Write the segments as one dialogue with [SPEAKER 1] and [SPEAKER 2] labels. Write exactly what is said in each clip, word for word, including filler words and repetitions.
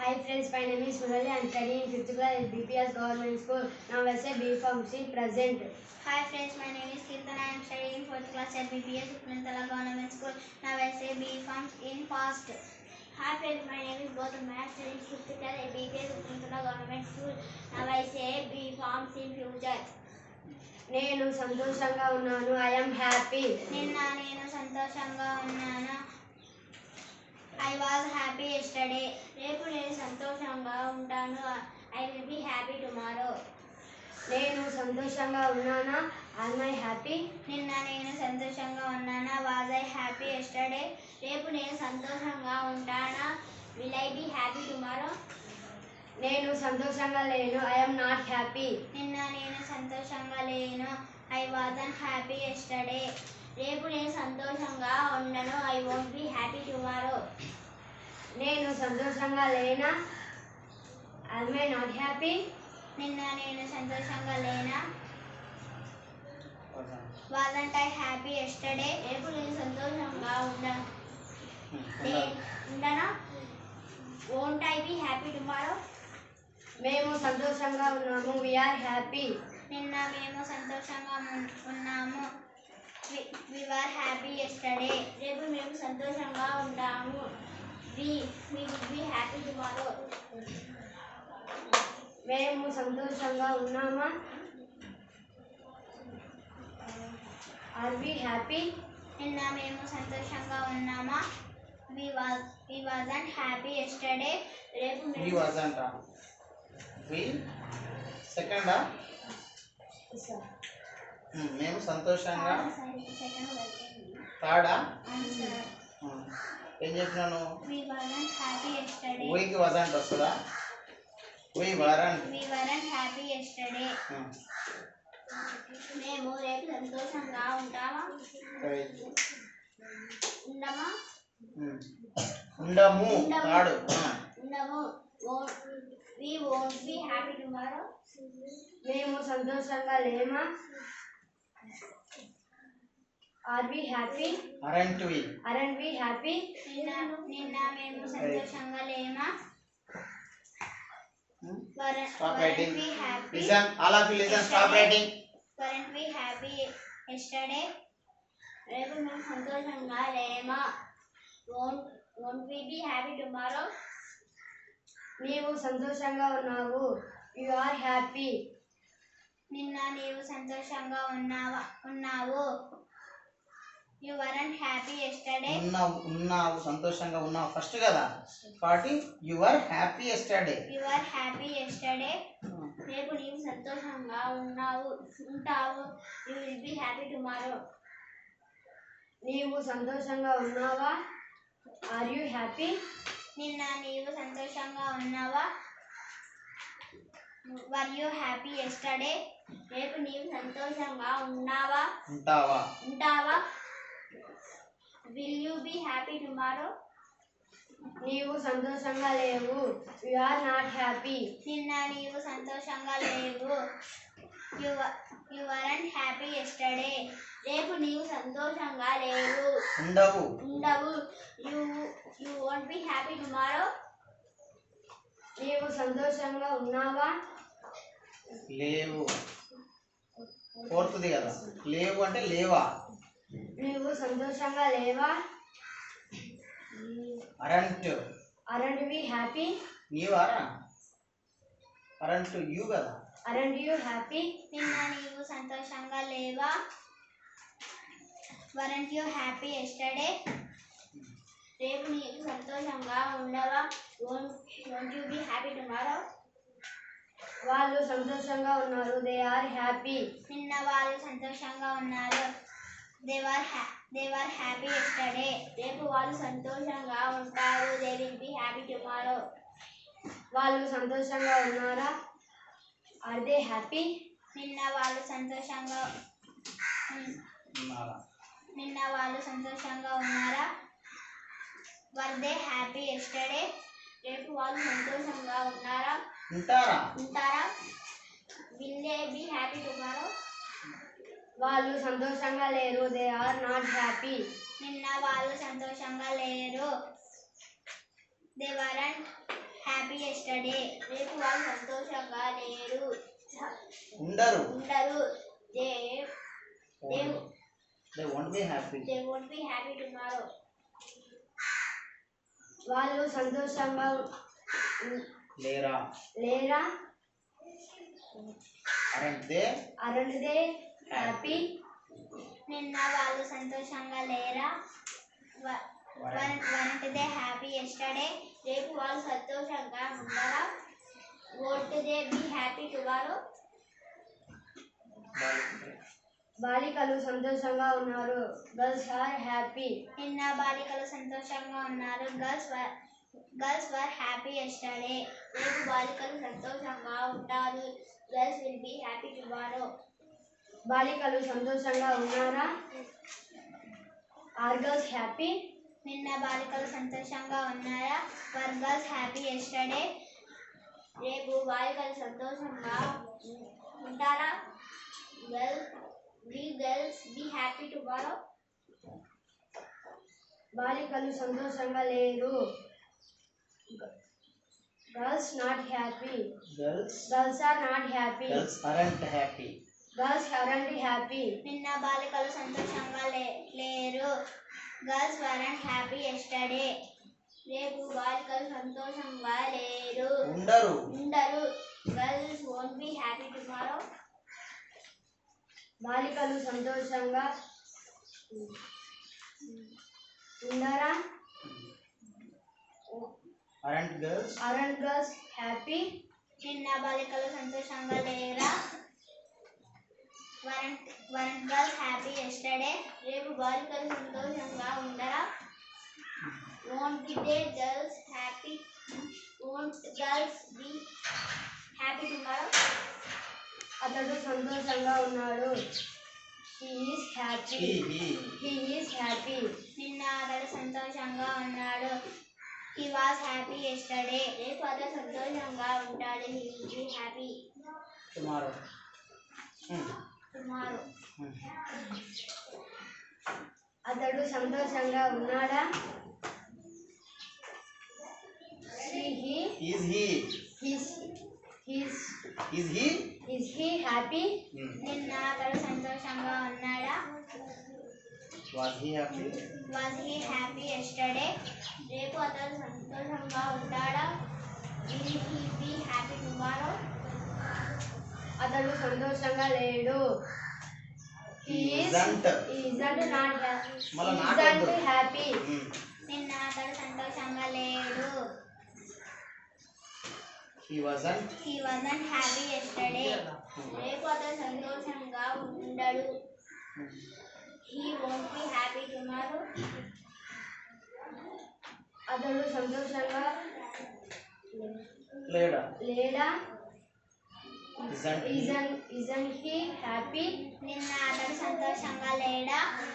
[SPEAKER 1] Hi friends, my name is Murali. I am studying in fifth class at B P S Government School. Now I say B Farm C present.
[SPEAKER 2] Hi friends, my name is Kirtan. I am studying in fourth class at B P S Upnantala Government School. Now I say B Farms in past. Hi friends, my name is Gautam. I am studying in fifth class at B P S Upnantala Government School. Now I say B Farms in future.
[SPEAKER 1] నేను సంతోషంగా ఉన్నాను. I am happy.
[SPEAKER 2] నిన్న నేను సంతోషంగా ఉన్నాను. I was happy yesterday. రేపు నేను సంతోషంగా ఉంటాను. I will be happy tomorrow.
[SPEAKER 1] నేను సంతోషంగా ఉన్నానా? Am I happy?
[SPEAKER 2] నిన్న నేను సంతోషంగా ఉన్నానా? Was I happy yesterday? రేపు నేను సంతోషంగా ఉంటానా? Will I be happy tomorrow?
[SPEAKER 1] నేను సంతోషంగా లేను. I am not happy.
[SPEAKER 2] నిన్న నేను సంతోషంగా లేను. I wasn't happy yesterday. రేపు నేను సంతోషంగా ఉండను. I won't be happy tomorrow.
[SPEAKER 1] నేను సంతోషంగా లేనా? Am I not happy?
[SPEAKER 2] నిన్న నేను సంతోషంగా లేనా? Wasn't I happy yesterday? రేపు నేను సంతోషంగా ఉండను. ఉండనా? Won't I be happy tomorrow?
[SPEAKER 1] మేము సంతోషంగా ఉన్నాము. We are happy.
[SPEAKER 2] నిన్న మేము సంతోషంగా ఉన్నాము. We, we were happy yesterday. రేపు మేము సంతోషంగా ఉంటాము. We, we will be happy tomorrow.
[SPEAKER 1] మేము సంతోషంగా ఉన్నామా? Are we happy?
[SPEAKER 2] నిన్న మేము సంతోషంగా ఉన్నామా? We was we wasn't happy yesterday. రేపు
[SPEAKER 3] we
[SPEAKER 2] మేము
[SPEAKER 3] wasn't ah we second ah hmm మేము సంతోషంగా
[SPEAKER 2] సెకండ్
[SPEAKER 3] థర్డ్ ah
[SPEAKER 2] ఆన్సర్
[SPEAKER 3] ఏం చెప్పినాను
[SPEAKER 2] we wasn't happy yesterday.
[SPEAKER 3] we కి wasn't వస్తుందా we weren't
[SPEAKER 2] we weren't happy yesterday. మేము రేపు సంతోషంగా ఉంటామా? ఉండమా?
[SPEAKER 3] ఉండము థర్డ్
[SPEAKER 2] ఉండము. we won't be happy tomorrow.
[SPEAKER 1] మేము సంతోషంగా లేమా? Are we happy?
[SPEAKER 3] aren't we
[SPEAKER 1] Aren't we happy?
[SPEAKER 2] నిన్న నిన్న మేము సంతోషంగా లేమా? Weren't-
[SPEAKER 3] stop
[SPEAKER 2] weren't
[SPEAKER 3] writing
[SPEAKER 2] we happy?
[SPEAKER 3] listen all of you listen stop writing
[SPEAKER 2] Weren't we happy yesterday? రేపు మేము సంతోషంగా లేమా? Won't won't we be happy tomorrow?
[SPEAKER 1] నీవు సంతోషంగా ఉన్నావు. You are happy.
[SPEAKER 2] నిన్న నీవు సంతోషంగా ఉన్నావా ఉన్నావు. You weren't happy yesterday.
[SPEAKER 3] ఉన్నావు ఉన్నావు సంతోషంగా ఉన్నావు ఫస్ట్ కదా కాబట్టి you were happy yesterday
[SPEAKER 2] You were happy yesterday. రేపు నీవు సంతోషంగా ఉన్నావు ఉంటావు. You will be happy tomorrow.
[SPEAKER 1] నీవు సంతోషంగా ఉన్నావా? Are you happy?
[SPEAKER 2] నిన్న నీవు సంతోషంగా ఉన్నావా? Were you happy yesterday? రేపు నీవు సంతోషంగా ఉన్నావా
[SPEAKER 3] ఉంటావా
[SPEAKER 2] ఉంటావా? Will you be happy tomorrow?
[SPEAKER 1] నీవు సంతోషంగా లేవు. You are not happy.
[SPEAKER 2] నిన్న నీవు సంతోషంగా లేవు. You wa- you weren't happy yesterday. రేపు నీవు సంతోషంగా లేవు
[SPEAKER 3] ఉండవు
[SPEAKER 2] ఉండవు. You you won't be happy tomorrow.
[SPEAKER 1] నీవు సంతోషంగా ఉన్నావా?
[SPEAKER 3] లేవు ఫోర్త్ది కదా లేవు అంటే లేవా
[SPEAKER 1] నీవు సంతోషంగా లేవా?
[SPEAKER 3] Aren't
[SPEAKER 1] Aren't we happy?
[SPEAKER 3] నీవారా అరంట్ యూ కదా
[SPEAKER 1] Aren't you happy?
[SPEAKER 2] నిన్న నీవు సంతోషంగా లేవా? Weren't you happy yesterday? రేపు నీవు సంతోషంగా ఉండవా? Won't won't you be happy tomorrow?
[SPEAKER 1] వాళ్ళు సంతోషంగా ఉన్నారు. They are happy.
[SPEAKER 2] నిన్న వాళ్ళు సంతోషంగా ఉన్నారు. They were ha- they were happy yesterday. రేపు వాళ్ళు సంతోషంగా ఉంటారు. They will be happy tomorrow.
[SPEAKER 1] వాళ్ళు సంతోషంగా ఉన్నారా? Are they happy?
[SPEAKER 2] నిన్న వాళ్ళు సంతోషంగా ఉన్-
[SPEAKER 3] ఉన్నారా
[SPEAKER 2] నిన్న వాళ్ళు సంతోషంగా ఉన్నారా? Were they happy yesterday? రేపు వాళ్ళు సంతోషంగా ఉన్నారా
[SPEAKER 3] ఉంటారా
[SPEAKER 2] ఉంటారా? Will they be happy tomorrow?
[SPEAKER 1] వాళ్ళు సంతోషంగా లేరు. They are not happy.
[SPEAKER 2] నిన్న వాళ్ళు సంతోషంగా లేరు. They weren't happy happy yesterday రేపు వాళ్ళు సంతోషంగా లేరు
[SPEAKER 3] ఉండరు
[SPEAKER 2] ఉండరు they they
[SPEAKER 3] they won't be happy
[SPEAKER 2] they won't be happy tomorrow
[SPEAKER 1] వాళ్ళు సంతోషంగా ఉ-
[SPEAKER 3] లేరా
[SPEAKER 1] లేరా
[SPEAKER 3] aren't they
[SPEAKER 1] aren't they happy
[SPEAKER 2] నిన్న వాళ్ళు సంతోషంగా లేరా వరంట్ దే హ్యాపీ ఎస్టర్డే రేపు వాళ్ళు సంతోషంగా ఉండరా won't they be happy tomorrow
[SPEAKER 1] బాలికలు సంతోషంగా ఉన్నారు గర్ల్స్ ఆర్ హ్యాపీ
[SPEAKER 2] నిన్న బాలికలు సంతోషంగా ఉన్నారు girls were girls were happy yesterday రేపు బాలికలు సంతోషంగా ఉంటారు girls will be happy tomorrow
[SPEAKER 1] బాలికలు సంతోషంగా ఉన్నారా ఆర్ గర్ల్స్ హ్యాపీ
[SPEAKER 2] నిన్న బాలికలు సంతోషంగా ఉన్నారా వర్ గర్ల్స్ హ్యాపీ ఎస్టర్డే రేపు బాలికలు సంతోషంగా ఉంటారా girl we girls be happy tomorrow
[SPEAKER 1] బాలికలు సంతోషంగా లేరు girls not happy
[SPEAKER 3] girls
[SPEAKER 1] girls are not happy
[SPEAKER 3] girls aren't happy
[SPEAKER 1] girls aren't happy
[SPEAKER 2] నిన్న బాలికలు సంతోషంగా లే లేరు గర్ల్స్ వరంట్ హ్యాపీ ఎస్టర్డే రేపు బాలికలు సంతోషంగా లేరు
[SPEAKER 3] ఉండరు
[SPEAKER 2] ఉండరు girls won't be happy tomorrow
[SPEAKER 1] బాలికలు సంతోషంగా ఉండరా
[SPEAKER 3] aren't girls
[SPEAKER 1] aren't girls happy
[SPEAKER 2] నిన్న బాలికలు సంతోషంగా లేరా weren't weren't girls happy yesterday రేపు బాలికలు సంతోషంగా ఉండరా won't be they girls happy won't girls be happy tomorrow
[SPEAKER 1] అతడు సంతోషంగా ఉన్నాడు he is happy
[SPEAKER 3] he he
[SPEAKER 1] he is happy
[SPEAKER 2] నిన్న అతడు సంతోషంగా ఉన్నాడు హీ వాస్ హ్యాపీ ఎస్టర్డే రేపు అతడు సంతోషంగా ఉంటాడు he will be happy
[SPEAKER 3] tomorrow hmm.
[SPEAKER 2] Tomorrow
[SPEAKER 3] Hmm.
[SPEAKER 1] అతడు సంతోషంగా ఉన్నాడా he he
[SPEAKER 3] is he
[SPEAKER 1] his his
[SPEAKER 3] is he
[SPEAKER 1] is he happy
[SPEAKER 3] hmm.
[SPEAKER 2] నిన్న అతడు సంతోషంగా ఉన్నాడా
[SPEAKER 3] was he happy
[SPEAKER 2] was he happy yesterday రేపు అతడు సంతోషంగా ఉంటాడా will he be happy tomorrow
[SPEAKER 1] అతడు సంతోషంగా లేడు he is
[SPEAKER 3] isn't
[SPEAKER 1] isn't not happy
[SPEAKER 3] మళ్ళా not
[SPEAKER 1] isn't
[SPEAKER 3] వద్దు.
[SPEAKER 1] happy
[SPEAKER 3] hmm.
[SPEAKER 2] నిన్న అతడు సంతోషంగా లేడు
[SPEAKER 3] he wasn't
[SPEAKER 2] he wasn't happy yesterday రేపు అతడు సంతోషంగా ఉండడు
[SPEAKER 3] hmm.
[SPEAKER 2] He won't be happy tomorrow
[SPEAKER 1] అతడు సంతోషంగా
[SPEAKER 3] లేడా
[SPEAKER 1] లేడా
[SPEAKER 3] isn't he
[SPEAKER 1] isn't isn't he happy
[SPEAKER 2] నిన్న అతడు సంతోషంగా లేడా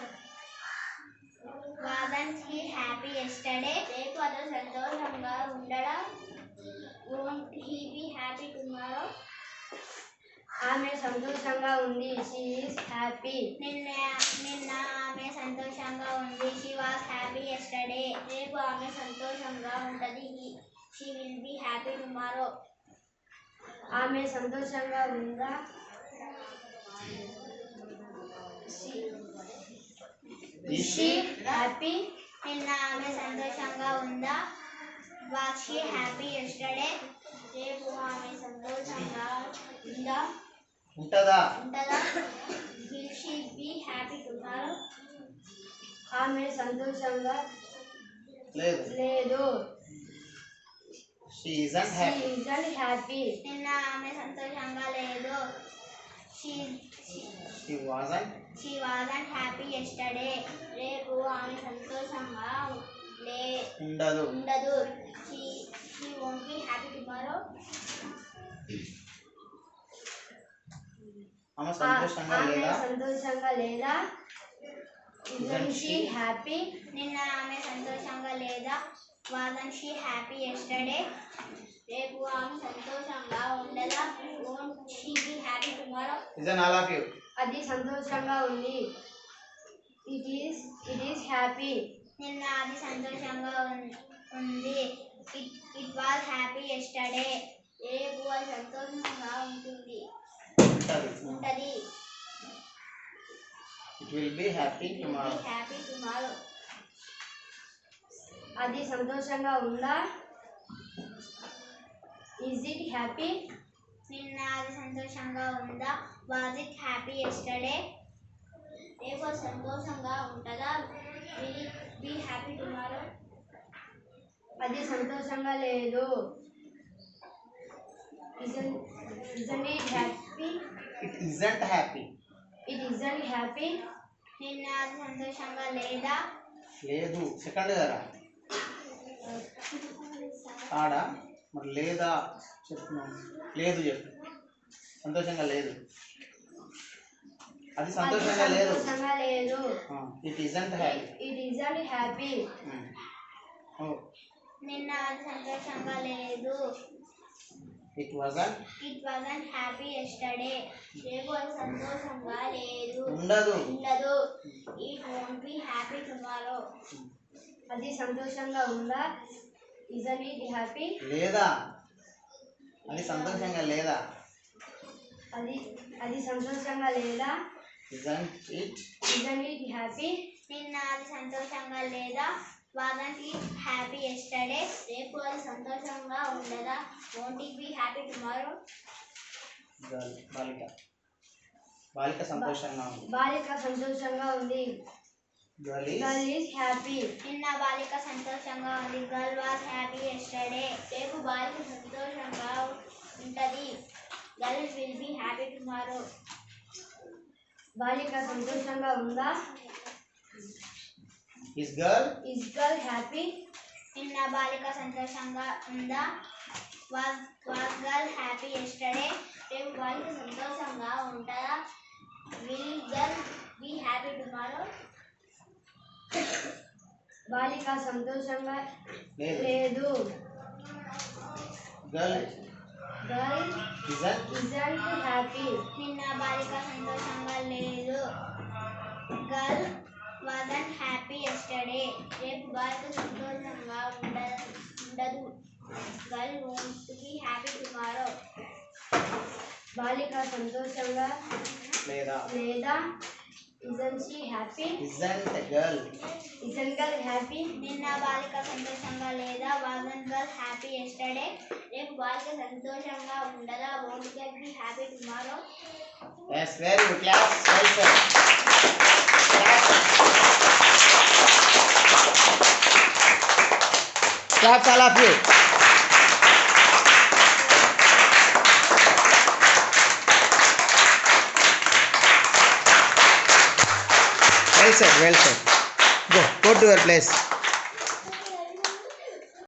[SPEAKER 2] వాజంట్ హీ హ్యాపీ ఎస్టర్డే రేపు అతడు సంతోషంగా ఉండడా won't he be happy tomorrow
[SPEAKER 1] ఆమె సంతోషంగా ఉంది she is happy
[SPEAKER 2] నిన్న నిన్న ఆమె సంతోషంగా ఉంది షీ వాస్ హ్యాపీ ఎస్టర్డే రేపు ఆమె సంతోషంగా ఉంటుంది she will be happy tomorrow
[SPEAKER 1] ఆమె సంతోషంగా ఉందా
[SPEAKER 3] is
[SPEAKER 1] she
[SPEAKER 3] she
[SPEAKER 1] happy
[SPEAKER 2] నిన్న ఆమె సంతోషంగా ఉందా వాస్ షీ హ్యాపీ ఎస్టర్డే రేపు ఆమె సంతోషంగా ఉందా
[SPEAKER 3] ఉంటదా
[SPEAKER 2] ఉంటుందా will she be happy tomorrow
[SPEAKER 1] ఆమె సంతోషంగా
[SPEAKER 3] లేదు
[SPEAKER 1] లేదు
[SPEAKER 3] she isn't
[SPEAKER 1] she
[SPEAKER 3] happy
[SPEAKER 1] isn't happy
[SPEAKER 2] నిన్న ఆమె సంతోషంగా లేదు she
[SPEAKER 3] she wasn't
[SPEAKER 2] she wasn't happy yesterday రేపు ఆమె సంతోషంగా లే
[SPEAKER 3] ఉండదు
[SPEAKER 2] ఉండదు she she won't be happy tomorrow
[SPEAKER 3] ఆమె సంతోషంగా
[SPEAKER 1] ఆమె
[SPEAKER 3] లేదా
[SPEAKER 1] సంతోషంగా లేదా isn't she happy
[SPEAKER 2] నిన్న ఆమె సంతోషంగా లేదా వాజంట్ షీ హ్యాపీ ఎస్టర్డే రేపు ఆమె సంతోషంగా ఉండదా won't she be happy tomorrow
[SPEAKER 3] isn't all of you
[SPEAKER 1] అది సంతోషంగా ఉంది it is it is happy
[SPEAKER 2] నిన్న అది సంతోషంగా ఉన్- ఉంది it it was happy yesterday రేపు అది సంతోషంగా ఉంటుంది
[SPEAKER 3] ఉంటది
[SPEAKER 2] ఉంటది
[SPEAKER 3] it will be happy tomorrow
[SPEAKER 2] happy tomorrow
[SPEAKER 1] అది సంతోషంగా ఉందా? Is it happy?
[SPEAKER 2] నిన్న అది సంతోషంగా ఉందా? వాజ్ ఇట్ హ్యాపీ ఎస్టర్డే రేపు అది సంతోషంగా ఉంటుందా? Will it be happy tomorrow
[SPEAKER 1] అది సంతోషంగా లేదు. Isn't isn't it happy?
[SPEAKER 3] It isn't happy
[SPEAKER 1] It isn't happy.
[SPEAKER 2] నిన్న అది సంతోషంగా లేదా?
[SPEAKER 3] లేదు సెకండ్ కదా ఆడా మరి లేదా చెప్తున్నాను లేదు చెప్పు సంతోషంగా లేదు అది సంతోషంగా
[SPEAKER 1] అది
[SPEAKER 3] లేదు
[SPEAKER 1] సంతోషంగా లేదు.
[SPEAKER 3] It isn't happy
[SPEAKER 1] It isn't happy.
[SPEAKER 2] నిన్న అది సంతోషంగా లేదు.
[SPEAKER 3] It wasn't
[SPEAKER 2] it wasn't happy yesterday రేపు అది సంతోషంగా లేదు
[SPEAKER 3] ఉండదు
[SPEAKER 2] ఉండదు. It won't be happy tomorrow
[SPEAKER 1] అది సంతోషంగా ఉందా? Isn't it happy?
[SPEAKER 3] లేదా అది సంతోషంగా లేదా
[SPEAKER 1] అది అది సంతోషంగా లేదా?
[SPEAKER 3] Isn't it
[SPEAKER 1] Isn't it happy?
[SPEAKER 2] నిన్న అది సంతోషంగా లేదా? వాజంట్ ఇట్ హ్యాపీ ఎస్టర్డే రేపు అది సంతోషంగా ఉండదా? Won't it be happy tomorrow
[SPEAKER 3] girl బాలిక బాలిక సంతోషంగా ఉంది
[SPEAKER 1] బాలిక సంతోషంగా ఉంది.
[SPEAKER 3] Girl
[SPEAKER 1] Girl
[SPEAKER 3] is
[SPEAKER 1] is happy.
[SPEAKER 2] నిన్న బాలిక సంతోషంగా ఉంది. గర్ల్ వాజ్ హ్యాపీ ఎస్టర్డే రేపు బాలిక సంతోషంగా ఉంటుంది. Girl will be happy tomorrow
[SPEAKER 1] బాలిక సంతోషంగా ఉందా?
[SPEAKER 3] Is girl
[SPEAKER 1] Is girl happy?
[SPEAKER 2] నిన్న బాలిక సంతోషంగా ఉందా? Was was girl happy yesterday రేపు బాలిక సంతోషంగా ఉంటుందా? Will girl be happy tomorrow
[SPEAKER 1] బాలిక సంతోషంగా
[SPEAKER 3] లేదు
[SPEAKER 1] లేదు.
[SPEAKER 3] Girl
[SPEAKER 1] Girl
[SPEAKER 3] isn't
[SPEAKER 1] isn't happy.
[SPEAKER 2] నిన్న బాలిక సంతోషంగా లేదు. గర్ల్ వాజంట్ హ్యాపీ ఎస్టర్డే రేపు బాలిక సంతోషంగా ఉండ ఉండదు. Girl won't be happy tomorrow
[SPEAKER 1] బాలిక సంతోషంగా
[SPEAKER 3] లేదా
[SPEAKER 1] లేదా? Isn't she happy?
[SPEAKER 3] Isn't girl
[SPEAKER 1] Isn't girl happy?
[SPEAKER 2] నిన్న బాలిక సంతోషంగా లేదా? వాజంట్ గర్ల్ హ్యాపీ ఎస్టర్డే రేపు బాలిక సంతోషంగా ఉండదా? Won't girl be happy tomorrow
[SPEAKER 3] yes very good class well said claps all of you well said well said go go to your place